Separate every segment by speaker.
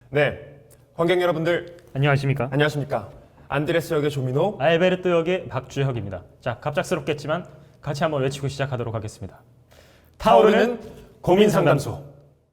Speaker 1: 네, 관객 여러분들
Speaker 2: 안녕하십니까?
Speaker 1: 안녕하십니까? 안드레스 역의 조민호.
Speaker 2: 알베르토 역의 박주혁입니다. 자, 갑작스럽겠지만 같이 한번 외치고 시작하도록 하겠습니다. 타오르는 고민 상담소.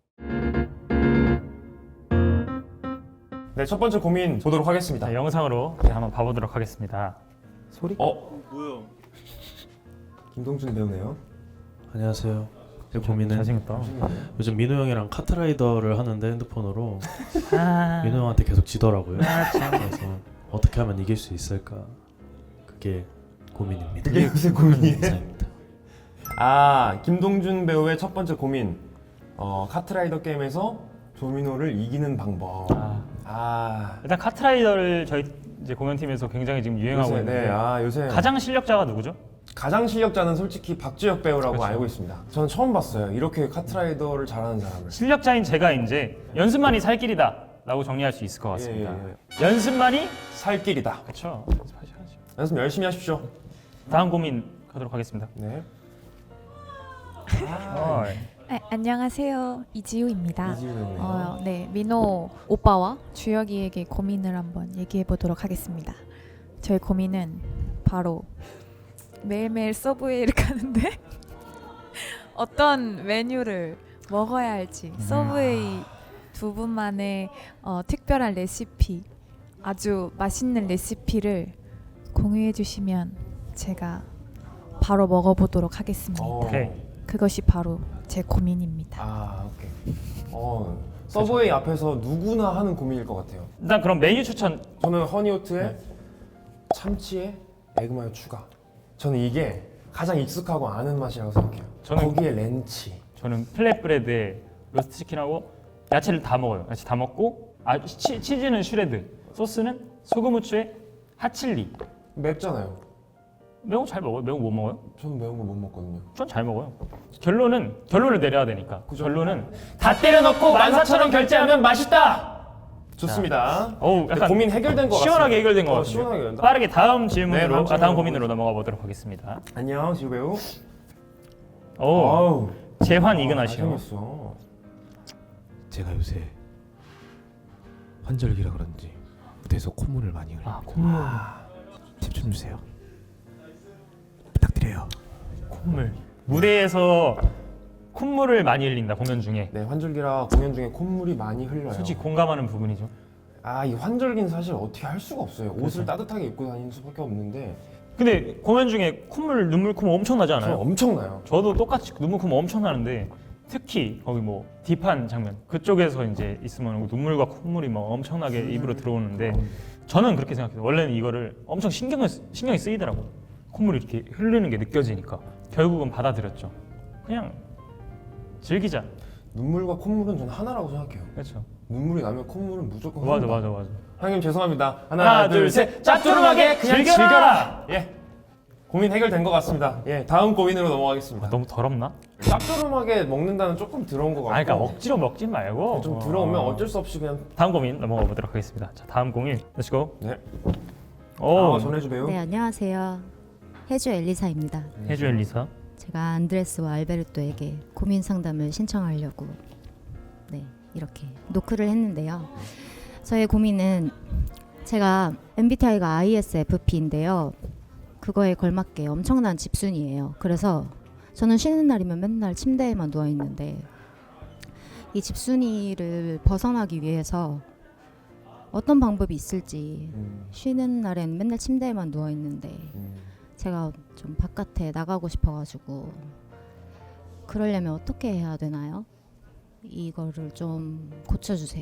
Speaker 1: 네, 첫 번째 고민 보도록 하겠습니다.
Speaker 2: 자, 영상으로 한번 봐보도록 하겠습니다. 소리?
Speaker 3: 뭐야?
Speaker 1: 김동준 배우네요.
Speaker 3: 안녕하세요. 제 고민은
Speaker 2: 잘생겼다.
Speaker 3: 요즘 민호 형이랑 카트라이더를 하는데 핸드폰으로
Speaker 2: 아,
Speaker 3: 민호 형한테 계속 지더라고요.
Speaker 2: 참.
Speaker 3: 그래서 어떻게 하면 이길 수 있을까? 그게 고민입니다.
Speaker 1: 그게 무슨 고민이에요?
Speaker 3: 감사합니다.
Speaker 1: 아, 김동준 배우의 첫 번째 고민. 카트라이더 게임에서 조민호를 이기는 방법.
Speaker 2: 일단 카트라이더를 저희 이제 공연팀에서 굉장히 지금 유행하고
Speaker 1: 요새,
Speaker 2: 있는데
Speaker 1: 네, 요새
Speaker 2: 가장 실력자가 누구죠?
Speaker 1: 가장 실력자는 솔직히 박주혁 배우라고
Speaker 2: 그렇죠.
Speaker 1: 알고 있습니다. 저는 처음 봤어요. 이렇게 카트라이더를 잘하는 사람을.
Speaker 2: 실력자인 제가 이제 연습만이 살 길이다라고 정리할 수 있을 것 같습니다. 연습만이
Speaker 1: 살 길이다.
Speaker 2: 그렇죠. 연습하셔야죠.
Speaker 1: 연습 열심히 하십시오.
Speaker 2: 다음 고민 가도록 하겠습니다.
Speaker 1: 네.
Speaker 4: 네, 안녕하세요. 이지우입니다.
Speaker 1: 이지우 배우네요.
Speaker 4: 네, 민호 오빠와 주혁이에게 고민을 한번 얘기해 보도록 하겠습니다. 저의 고민은 바로 매일매일 서브웨이를 가는데 어떤 메뉴를 먹어야 할지 서브웨이 두 분만의 특별한 레시피, 아주 맛있는 레시피를 공유해 주시면 제가 바로 먹어보도록 하겠습니다.
Speaker 2: 오케이.
Speaker 4: 그것이 바로 제 고민입니다.
Speaker 1: 오케이. 서브웨이 앞에서 누구나 하는 고민일 것 같아요.
Speaker 2: 일단 그럼 메뉴 추천.
Speaker 1: 저는 허니오트에 참치에 에그마요 추가. 저는 이게 가장 익숙하고 아는 맛이라고 생각해요. 거기에 렌치.
Speaker 2: 저는 플랫브레드에 로스트 치킨하고 야채를 다 먹어요. 야채 다 먹고 치즈는 슈레드, 소스는 소금 후추에 핫칠리.
Speaker 1: 맵잖아요.
Speaker 2: 매운 거 잘 먹어요? 매운 거 못 먹어요?
Speaker 1: 저는 매운 거 못 먹거든요.
Speaker 2: 전 잘 먹어요. 결론을 내려야 되니까.
Speaker 1: 그죠?
Speaker 2: 결론은 다 때려 넣고 14,000원 결제하면 맛있다.
Speaker 1: 좋습니다.
Speaker 2: 어우, 약간
Speaker 1: 고민 해결된 것 같습니다.
Speaker 2: 시원하게 해결된 것 같아요.
Speaker 1: 시원하게 해결된다.
Speaker 2: 빠르게 다음
Speaker 1: 네,
Speaker 2: 질문으로
Speaker 1: 다음
Speaker 2: 다음 고민으로 넘어가 보도록 하겠습니다.
Speaker 1: 안녕, 지우 배우.
Speaker 2: 오,
Speaker 1: 어우,
Speaker 2: 재환 이근하시오.
Speaker 1: 잘생겼어.
Speaker 5: 제가 요새 환절기라 그런지 무대에서 콧물을 많이 흘려요.
Speaker 2: 콧물.
Speaker 5: 팁 좀 주세요. 부탁드려요.
Speaker 2: 콧물. 무대에서 콧물을 많이 흘린다 공연 중에.
Speaker 1: 네, 환절기라 공연 중에 콧물이 많이 흘러요.
Speaker 2: 솔직히 공감하는 부분이죠.
Speaker 1: 이 환절기는 사실 어떻게 할 수가 없어요. 옷을 따뜻하게 입고 다니는 수밖에 없는데
Speaker 2: 근데 공연 중에 콧물, 눈물, 콧물 엄청 나지
Speaker 1: 저는
Speaker 2: 않아요?
Speaker 1: 엄청나요.
Speaker 2: 저도 똑같이 눈물, 콧물 엄청 나는데 특히 거기 뭐 딥한 장면 그쪽에서 이제 있으면 눈물과 콧물이 막 엄청나게 입으로 들어오는데 저는 그렇게 생각해요. 원래는 이거를 엄청 신경이 쓰이더라고. 콧물이 이렇게 흐르는 게 느껴지니까 결국은 받아들였죠. 그냥 즐기자.
Speaker 1: 눈물과 콧물은 저는 하나라고 생각해요.
Speaker 2: 그렇죠.
Speaker 1: 눈물이 나면 콧물은 무조건
Speaker 2: 맞아,
Speaker 1: 흐른다.
Speaker 2: 맞아.
Speaker 1: 형님 죄송합니다.
Speaker 2: 하나, 둘, 셋. 짭조름하게 그냥 즐겨라.
Speaker 1: 예. 고민 해결된 것 같습니다. 예, 다음 고민으로 넘어가겠습니다.
Speaker 2: 너무 더럽나?
Speaker 1: 짭조름하게 먹는다는 조금 들어온 것 같고.
Speaker 2: 그러니까 억지로 먹지 말고
Speaker 1: 좀 들어오면 어쩔 수 없이 그냥.
Speaker 2: 다음 고민 넘어가 보도록 하겠습니다. 자, 다음 고민. Let's go.
Speaker 1: 네.
Speaker 2: 오,
Speaker 1: 전해주 배우.
Speaker 6: 네, 안녕하세요. 해주 엘리사입니다.
Speaker 2: 해주 엘리사.
Speaker 6: 제가 안드레스와 알베르토에게 고민 상담을 신청하려고 이렇게 노크를 했는데요. 저의 고민은 제가 MBTI가 ISFP인데요. 그거에 걸맞게 엄청난 집순이에요. 그래서 저는 쉬는 날이면 맨날 침대에만 누워 있는데 이 집순이를 벗어나기 위해서 어떤 방법이 있을지 쉬는 날엔 맨날 침대에만 누워 있는데 제가 좀 바깥에 나가고 싶어가지고 그러려면 어떻게 해야 되나요? 이거를 좀 고쳐주세요.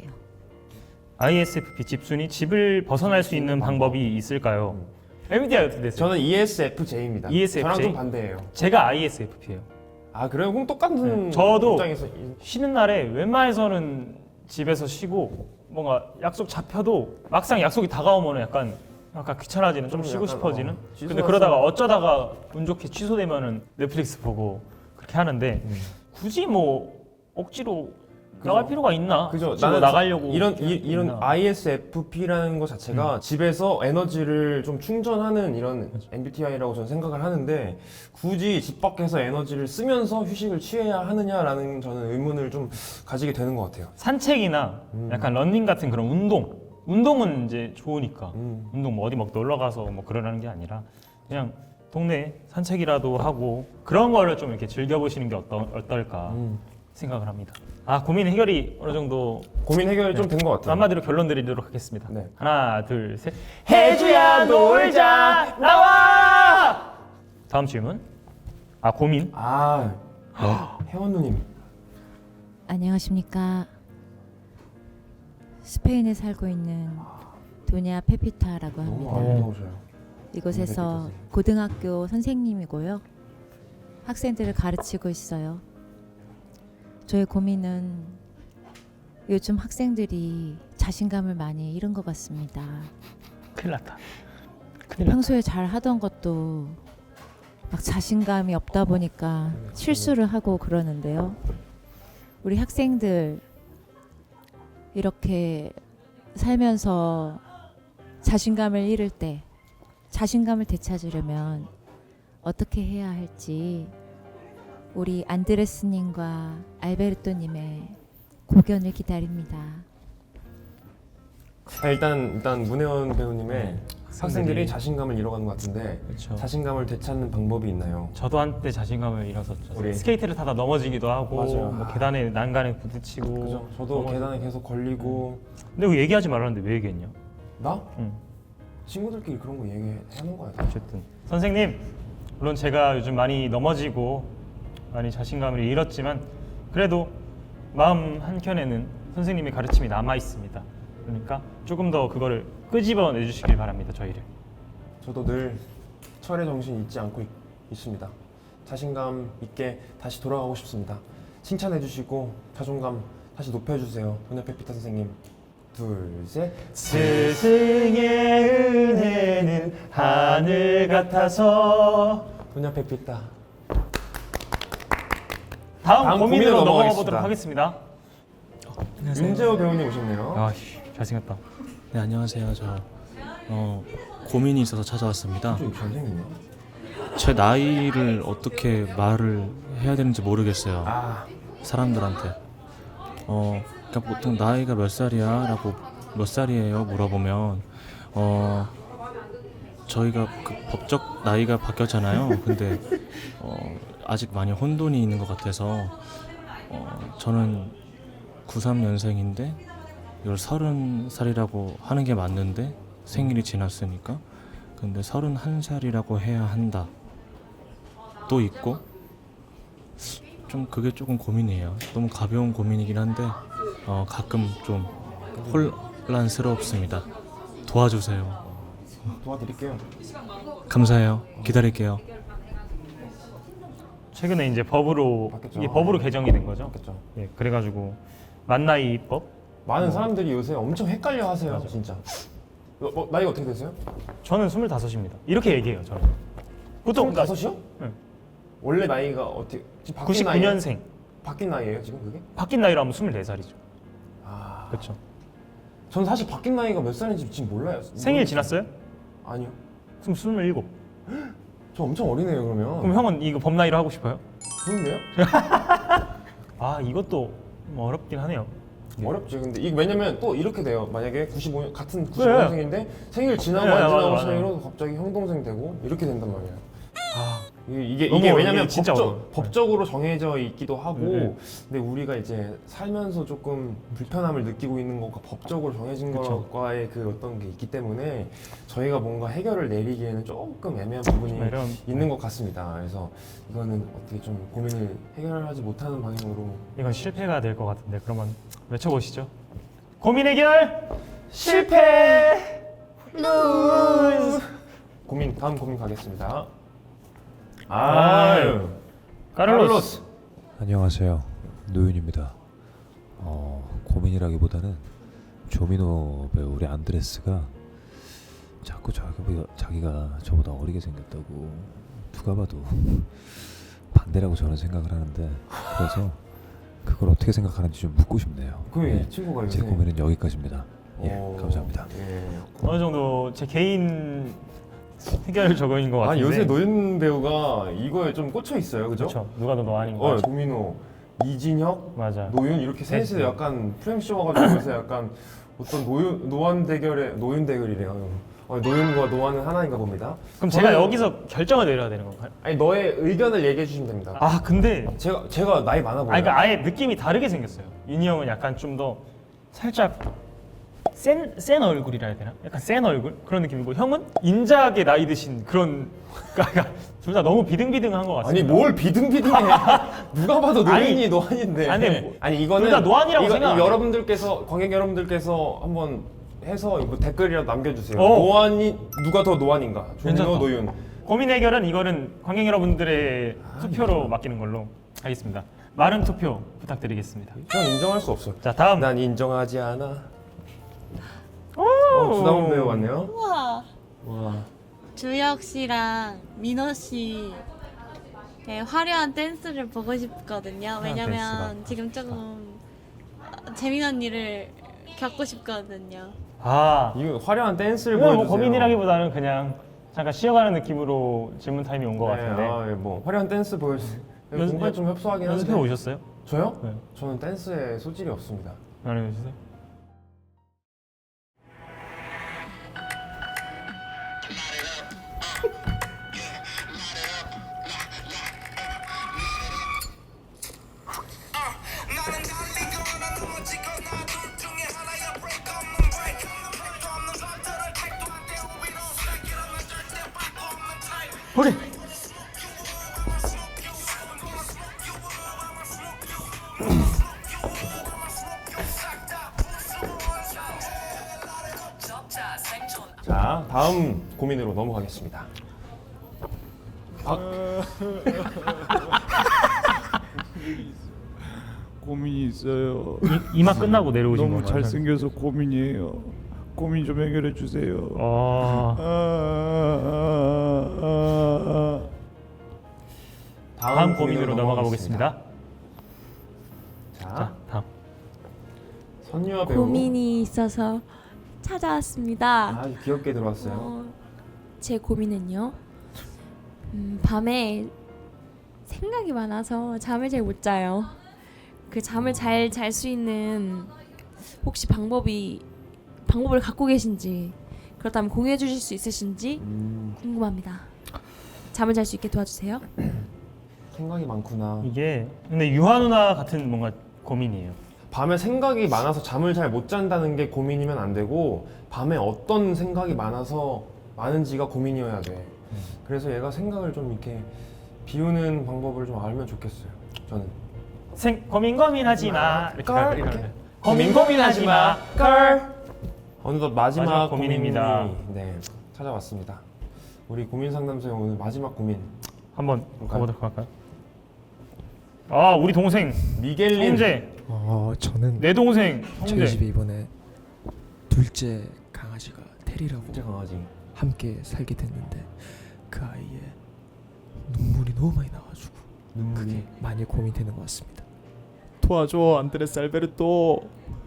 Speaker 2: ISFP 집순이 집을 벗어날 수 있는 방법이 있을까요? MBTI 어떻게 되세요?
Speaker 1: 저는 ESFJ입니다.
Speaker 2: ESFJ?
Speaker 1: 저랑 좀 반대예요.
Speaker 2: 제가 ISFP예요.
Speaker 1: 그래요? 그럼 똑같은
Speaker 2: 저도
Speaker 1: 입장에서
Speaker 2: 쉬는 날에 웬만해서는 집에서 쉬고 뭔가 약속 잡혀도 막상 약속이 다가오면 약간 귀찮아지는, 좀 쉬고
Speaker 1: 약간,
Speaker 2: 싶어지는.
Speaker 1: 취소했어.
Speaker 2: 근데 그러다가 어쩌다가 운 좋게 취소되면은 넷플릭스 보고 그렇게 하는데 굳이 뭐 억지로 나갈 필요가 있나?
Speaker 1: 그죠.
Speaker 2: 나는 나가려고
Speaker 1: 이런
Speaker 2: 있나? 음.
Speaker 1: ISFP라는 것 자체가 집에서 에너지를 좀 충전하는 이런 MBTI라고 저는 생각을 하는데 굳이 집 밖에서 에너지를 쓰면서 휴식을 취해야 하느냐라는 저는 의문을 좀 가지게 되는 것 같아요.
Speaker 2: 산책이나 약간 러닝 같은 그런 운동은 이제 좋으니까 운동 뭐 어디 막 놀러 가서 뭐 그러라는 게 아니라 그냥 동네 산책이라도 하고 그런 거를 좀 이렇게 즐겨보시는 게 어떨까 생각을 합니다. 아, 고민 해결이 어느 정도
Speaker 1: 고민 해결이 좀 된 것 같아요.
Speaker 2: 한마디로 결론 드리도록 하겠습니다.
Speaker 1: 네.
Speaker 2: 하나, 둘, 셋. 해주야 놀자 나와. 다음 질문. 아, 고민.
Speaker 1: 혜원 누님.
Speaker 7: 안녕하십니까. 스페인에 살고 있는 도냐 페피타라고
Speaker 1: 너무
Speaker 7: 합니다.
Speaker 1: 아름다우셔요.
Speaker 7: 이곳에서 고등학교 선생님이고요. 학생들을 가르치고 있어요. 저의 고민은 요즘 학생들이 자신감을 많이 잃은 것 같습니다.
Speaker 2: 큰일 났다. 큰일 났다.
Speaker 7: 평소에 잘 하던 것도 막 자신감이 없다 보니까 실수를 하고 그러는데요. 우리 학생들 이렇게 살면서 자신감을 잃을 때 자신감을 되찾으려면 어떻게 해야 할지 우리 안드레스님과 알베르토님의 고견을 기다립니다.
Speaker 1: 일단 문혜원 배우님의 학생들이 자신감을 잃어가는 것 같은데
Speaker 2: 그렇죠.
Speaker 1: 자신감을 되찾는 방법이 있나요?
Speaker 2: 저도 한때 자신감을 잃었었죠.
Speaker 1: 우리-
Speaker 2: 스케이트를 타다 넘어지기도 하고
Speaker 1: 맞아요.
Speaker 2: 뭐 계단에 난간에 부딪히고.
Speaker 1: 그죠? 저도
Speaker 2: 넘어지-
Speaker 1: 계단에 계속 걸리고
Speaker 2: 근데 왜 얘기하지 말았는데 왜 얘기했냐?
Speaker 1: 나?
Speaker 2: 응.
Speaker 1: 친구들끼리 그런 거 얘기하는 거야.
Speaker 2: 어쨌든 선생님, 물론 제가 요즘 많이 넘어지고 많이 자신감을 잃었지만 그래도 마음 한켠에는 선생님의 가르침이 남아 있습니다. 그러니까 조금 더 그거를 끄집어 내주시길 바랍니다. 저희를.
Speaker 1: 저도 늘 철의 정신 잊지 않고 있습니다. 자신감 있게 다시 돌아가고 싶습니다. 칭찬해 주시고 자존감 다시 높여주세요. 도냐 페피타 선생님. 둘, 셋.
Speaker 2: 스승의 은혜는 하늘 같아서.
Speaker 1: 도냐 페피타.
Speaker 2: 다음 고민으로 넘어가
Speaker 1: 넘어가겠습니다.
Speaker 2: 보도록 하겠습니다.
Speaker 1: 윤재호 배우님 오셨네요.
Speaker 2: 아, 잘생겼다.
Speaker 3: 네, 안녕하세요. 저 고민이 있어서 찾아왔습니다.
Speaker 1: 좀 잘생겼네.
Speaker 3: 제 나이를 어떻게 말을 해야 되는지 모르겠어요. 사람들한테. 그러니까 보통 나이가 몇 살이야?라고 몇 살이에요? 물어보면 저희가 그 법적 나이가 바뀌었잖아요. 근데 아직 많이 혼돈이 있는 것 같아서 저는 93년생인데 이걸 30살이라고 하는 게 맞는데 생일이 지났으니까 근데 31살이라고 해야 한다 또 있고 좀 그게 조금 고민이에요. 너무 가벼운 고민이긴 한데 가끔 좀 혼란스럽습니다. 도와주세요.
Speaker 1: 도와드릴게요.
Speaker 3: 감사해요. 기다릴게요.
Speaker 2: 최근에 이제 법으로
Speaker 1: 바뀌었죠.
Speaker 2: 이게 법으로 개정이 된 거죠.
Speaker 1: 그렇죠.
Speaker 2: 예, 그래가지고 만나이법.
Speaker 1: 많은 사람들이 요새 엄청 헷갈려 하세요.
Speaker 2: 맞아.
Speaker 1: 진짜. 나이가 어떻게 되세요?
Speaker 2: 저는 25입니다. 이렇게 얘기해요. 저는. 보통
Speaker 1: 25이요?
Speaker 2: 네.
Speaker 1: 원래 나이가 어떻게 지금 바뀐 나이예요?
Speaker 2: 99년생.
Speaker 1: 바뀐 나이예요 지금 그게?
Speaker 2: 바뀐 나이로 하면 24살이죠.
Speaker 1: 아,
Speaker 2: 그렇죠.
Speaker 1: 전 사실 바뀐 나이가 몇 살인지 지금 몰라요.
Speaker 2: 생일 지났어요?
Speaker 1: 아니요.
Speaker 2: 그럼 27.
Speaker 1: 저 엄청 어리네요 그러면.
Speaker 2: 그럼 형은 이거 법 나이로 하고 싶어요?
Speaker 1: 좋은데요?
Speaker 2: 아, 이것도 뭐 어렵긴 하네요.
Speaker 1: 어렵지. 근데 이게 왜냐면 또 이렇게 돼요. 만약에 95년 같은
Speaker 2: 그래.
Speaker 1: 95년생인데 생일 지나고
Speaker 2: 네,
Speaker 1: 안 지나고
Speaker 2: 맞아.
Speaker 1: 차이로 갑자기 형 동생 되고 이렇게 된단 말이에요.
Speaker 2: 아,
Speaker 1: 이게
Speaker 2: 너무
Speaker 1: 왜냐면
Speaker 2: 이게 진짜 어려워요.
Speaker 1: 법적으로 정해져 있기도 하고
Speaker 2: 네.
Speaker 1: 근데 우리가 이제 살면서 조금 불편함을 느끼고 있는 것과 법적으로 정해진
Speaker 2: 그쵸.
Speaker 1: 것과의 그 어떤 게 있기 때문에 저희가 뭔가 해결을 내리기에는 조금 애매한 부분이
Speaker 2: 이런
Speaker 1: 있는 것 같습니다. 그래서 이거는 어떻게 좀 고민을 해결하지 못하는 방향으로
Speaker 2: 이건 실패가 될 것 같은데 그러면 외쳐보시죠. 고민 해결 실패.
Speaker 1: 다음 고민 가겠습니다.
Speaker 2: 아유, 카를로스.
Speaker 5: 안녕하세요. 노윤입니다. 고민이라기보다는 조민호 배우 우리 안드레스가 자꾸 자기가 저보다 어리게 생겼다고 누가 봐도 반대라고 저는 생각을 하는데 그래서 그걸 어떻게 생각하는지 좀 묻고 싶네요.
Speaker 1: 그
Speaker 5: 예,
Speaker 1: 친구가
Speaker 5: 제
Speaker 1: 요새
Speaker 5: 고민은 여기까지입니다. 예,
Speaker 1: 어,
Speaker 5: 감사합니다.
Speaker 1: 예.
Speaker 2: 어느 정도 제 개인 해결 적용인 것
Speaker 1: 아
Speaker 2: 같은데.
Speaker 1: 요새 노윤 배우가 이거에 좀 꽂혀 있어요, 그죠?
Speaker 2: 그렇죠. 누가 더 노안인가?
Speaker 1: 조민호, 이진혁,
Speaker 2: 맞아.
Speaker 1: 노윤 이렇게 셋이 약간 프레임쇼 와가지고 요새 약간 어떤 노안 대결의 노윤 대결이래요. 노윤과 노안은 하나인가 봅니다.
Speaker 2: 그럼 제가
Speaker 1: 저는-
Speaker 2: 여기서 결정을 내려야 되는 건가요?
Speaker 1: 아니 너의 의견을 얘기해 주시면 됩니다.
Speaker 2: 아 근데
Speaker 1: 제가 나이 많아 보여요.
Speaker 2: 그러니까 아예 느낌이 다르게 생겼어요. 윤희 형은 약간 좀 더 살짝 센 얼굴이라 해야 되나? 약간 센 얼굴 그런 느낌이고 형은 인자하게 나이 드신 그런 그러니까 둘 다 너무 비등비등한 것
Speaker 1: 아니
Speaker 2: 같습니다.
Speaker 1: 뭘 비등비등해? 누가 봐도 노인이
Speaker 2: 아니,
Speaker 1: 노안인데.
Speaker 2: 아니,
Speaker 1: 이거는
Speaker 2: 둘다 노안이라고 생각 안 해요.
Speaker 1: 여러분들께서 관객 여러분들께서 한번 해서 뭐 댓글이라도 남겨주세요.
Speaker 2: 어.
Speaker 1: 노안이 누가 더 노안인가? 조민호,
Speaker 2: 괜찮다.
Speaker 1: 노윤.
Speaker 2: 고민 해결은 이거는 관객 여러분들의 투표로 맡기는 걸로 하겠습니다. 많은 투표 부탁드리겠습니다.
Speaker 1: 전 인정할 수 없어.
Speaker 2: 자 다음.
Speaker 1: 난 인정하지 않아.
Speaker 2: 오!
Speaker 1: 주다운 배우 왔네요.
Speaker 8: 우와.
Speaker 1: 와.
Speaker 8: 주혁 씨랑 민호 씨의 화려한 댄스를 보고 싶거든요. 왜냐면
Speaker 2: 댄스가.
Speaker 8: 지금 조금 재미난 일을 겪고 싶거든요.
Speaker 2: 아
Speaker 1: 이거 화려한 댄스를
Speaker 2: 이건
Speaker 1: 보여주세요.
Speaker 2: 뭐 고민이라기보다는 그냥 잠깐 쉬어가는 느낌으로 질문 타임이 온 것
Speaker 1: 네,
Speaker 2: 같은데
Speaker 1: 뭐 화려한 댄스 보여주세요.
Speaker 2: 연습-
Speaker 1: 공부에 좀 협소하긴
Speaker 2: 연습해
Speaker 1: 한데.
Speaker 2: 오셨어요?
Speaker 1: 저요?
Speaker 2: 네.
Speaker 1: 저는 댄스에 소질이 없습니다.
Speaker 2: 말해주세요. 오케이.
Speaker 1: 자, 다음 고민으로 넘어가겠습니다.
Speaker 9: 고민이 있어요.
Speaker 2: 이마 끝나고 내려오신
Speaker 9: 너무
Speaker 2: 건가요?
Speaker 9: 잘생겨서 고민이에요. 고민 좀 해결해 주세요.
Speaker 2: 어... 다음 고민으로 넘어가 보겠습니다.
Speaker 1: 자,
Speaker 2: 자, 다음.
Speaker 1: 선유아 배우.
Speaker 10: 고민이 있어서 찾아왔습니다.
Speaker 1: 아주 귀엽게 들어왔어요.
Speaker 10: 제 고민은요. 밤에 생각이 많아서 잠을 잘 못 자요. 그 잠을 잘 잘 수 있는 혹시 방법을 갖고 계신지 그렇다면 공유해 주실 수 있으신지 궁금합니다. 잠을 잘 수 있게 도와주세요.
Speaker 1: 생각이 많구나.
Speaker 2: 이게 근데 유하 누나 같은 뭔가 고민이에요.
Speaker 1: 밤에 생각이 많아서 잠을 잘 못 잔다는 게 고민이면 안 되고 밤에 어떤 생각이 많은지가 고민이어야 돼. 그래서 얘가 생각을 좀 이렇게 비우는 방법을 좀 알면 좋겠어요. 저는.
Speaker 2: 고민하지 마.
Speaker 1: 깔 이렇게.
Speaker 2: 고민하지 마.
Speaker 1: 깔. 어느덧 마지막
Speaker 2: 마지막 고민입니다.
Speaker 1: 고민이, 네, 찾아왔습니다. 우리 고민 상담소의 오늘 마지막 고민.
Speaker 2: 한번 가보도록 할까요? 아 우리 동생
Speaker 1: 미겔린.
Speaker 2: 형제.
Speaker 11: 저는
Speaker 2: 내 동생
Speaker 11: 저희
Speaker 2: 형제.
Speaker 11: 집에 이번에 둘째 강아지가 테리라고
Speaker 1: 진짜 강아지.
Speaker 11: 함께 살게 됐는데 그 아이의 눈물이 너무 많이 나가지고 그게 많이 고민되는 것 같습니다. 도와줘 안드레스 알베르토.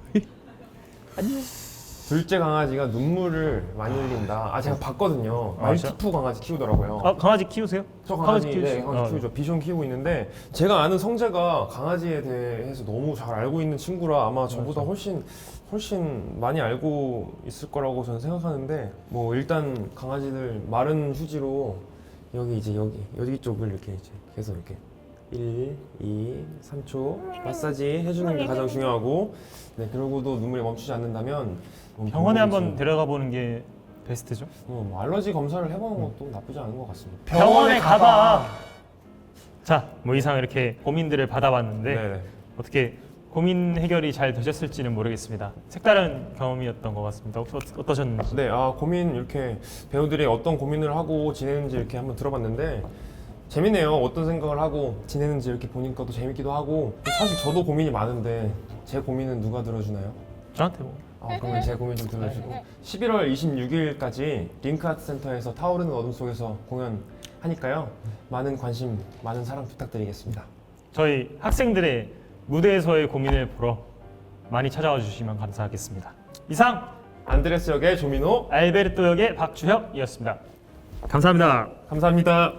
Speaker 1: 둘째 강아지가 눈물을 많이 흘린다. 제가 봤거든요.
Speaker 2: 아, 진짜?
Speaker 1: 말티푸 강아지 키우더라고요.
Speaker 2: 아 강아지 키우세요?
Speaker 1: 저 강아지,
Speaker 2: 키우시-
Speaker 1: 네, 강아지 키우죠. 비숑 키우고 있는데 제가 아는 성재가 강아지에 대해서 너무 잘 알고 있는 친구라 아마 저보다 훨씬 많이 알고 있을 거라고 저는 생각하는데 뭐 일단 강아지들 마른 휴지로 여기 쪽을 이렇게 이제 계속 이렇게 1, 2, 3초 마사지 해주는 게 가장 중요하고 네 그러고도 눈물이 멈추지 않는다면
Speaker 2: 병원에 한번 데려가 보는 게 베스트죠.
Speaker 1: 뭐 알러지 검사를 해보는 것도 나쁘지 않은 것 같습니다.
Speaker 2: 병원에 가봐. 자, 뭐 이상 이렇게 고민들을 받아봤는데
Speaker 1: 네.
Speaker 2: 어떻게 고민 해결이 잘 되셨을지는 모르겠습니다. 색다른 경험이었던 것 같습니다. 어떠셨는지?
Speaker 1: 네, 고민 이렇게 배우들이 어떤 고민을 하고 지내는지 이렇게 한번 들어봤는데 재밌네요. 어떤 생각을 하고 지내는지 이렇게 보니까 또 재밌기도 하고 사실 저도 고민이 많은데 제 고민은 누가 들어주나요?
Speaker 2: 저한테 뭐.
Speaker 1: 그러면 제 고민 좀 들어주시고 11월 26일까지 링크아트센터에서 타오르는 어둠 속에서 공연하니까요. 많은 관심, 많은 사랑 부탁드리겠습니다.
Speaker 2: 저희 학생들의 무대에서의 고민을 보러 많이 찾아와 주시면 감사하겠습니다. 이상
Speaker 1: 안드레스 역의 조민호,
Speaker 2: 알베르토 역의 박주혁이었습니다. 감사합니다.
Speaker 1: 감사합니다.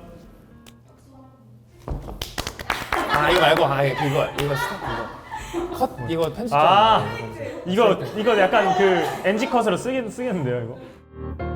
Speaker 1: 아 이거 말고 이거 스탑 컷 이거 편집 좀.
Speaker 2: 이거 약간 그 NG 컷으로 쓰겠는데요, 이거.